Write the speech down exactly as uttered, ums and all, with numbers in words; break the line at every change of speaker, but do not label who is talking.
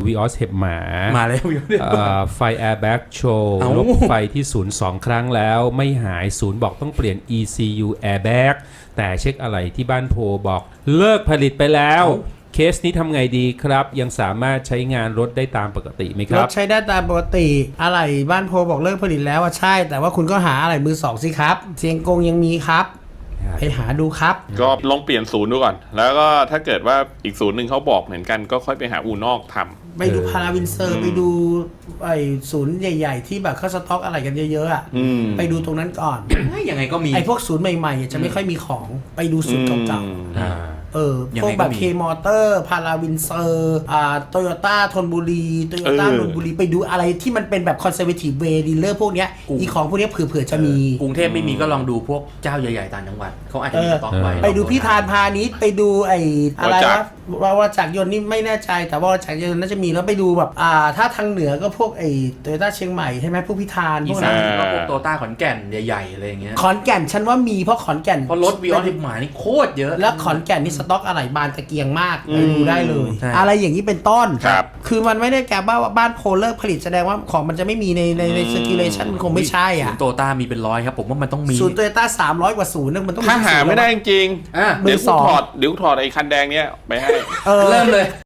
วีออสเห็บหมา
มาแล้ว
ไฟแอร์แบ็กโชว์ลบไฟที่ศูนย์สองครั้งแล้วไม่หายศูนย์บอกต้องเปลี่ยน อี ซี ยู Airbag แต่เช็คอะไรที่บ้านโพบอกเลิกผลิตไปแล้วเคสนี้ทำไงดีครับยังสามารถใช้งานรถได้ตามปกติไหมค
ร
รับ
ถใช้ได้ตามปกติอะไรบ้านโพบอกเลิกผลิตแล้วว่าใช่แต่ว่าคุณก็หาอะไรมือสองสิครับเซียงกงยังมีครับไปหาดูครับ
ก็ลองเปลี่ยนศูนย์ดูก่อนแล้วก็ถ้าเกิดว่าอีกศูนย์หนึ่งเขาบอกเหมือนกันก็ค่อยไปหาอู่นอกทำ
ไปดูพาราวินเซอร์ไปดูไอ้ศูนย์ใหญ่ๆที่แบบเขาสต็อกอะไรกันเยอะๆอ่ะไปดูตรงนั้นก่อน
ยังไงก็มี
ไอ้พวกศูนย์ใหม่ๆจะไม่ค่อยมีของไปดูศูนย์เก่าๆเออพวกแบบเคมอเตอร์พาราวินเซอร์อ่าโตโยต้าธนบุรีโตโยต้านนทบุรีไปดูอะไรที่มันเป็นแบบคอนเซอร์เวทีฟเวย์ดีลเลอร์พวกเนี้ยอีของพวกนี้เผื่อๆจะมี
กรุงเทพไม่มีก็ลองดูพวกเจ้าใหญ่ๆต่างจังหวัดเขาอาจจะมีสต็อกไว้
ไปดูพี่ธานพาณิชย์ไปดูไอ้อะไรวะว่าว่าจากยนต์นี่ไม่แน่ใจแต่ว่าจากยนต์น่าจะมีแล้วไปดูแบบอ่าถ้าทางเหนือก็พวกไอ้โตโยต้าเชียงใหม่ใช่ไหมพวกพี่ธานพวกนั้น
ก็พวกโตโยต้าขอนแก่นใหญ่ๆอะไรอย่างเงี้ย
ขอนแก่นฉันว่ามีเพราะขอนแก่น
เพราะรถวีออสหมานี่โคตรเยอะ
แล้วขอนแก่นนี่สต็อกอะไรบานตะเกียงมากไปดูได้เลยอะไรอย่างนี้เป็นต้นคือมันไม่ได้แกว่าบ้านโพเลิกผลิตแสดงว่าของมันจะไม่มีในในในเซอร์คิวเลชันมันคงไม่ใช่อ่ะ
ศูนย์โตโยต้ามีเป็นร้อยครับผมว่ามันต้องมี
ศูนย์โตโยต้าสามร้อยกว่าศูนย์นึงมันต้อง
ถ้าหาไม่ได้จริง
เดี๋ยว
ถอดเดี๋ยวถอดไอ้คันแดงเนี้ยไปให้
เริ่มเลย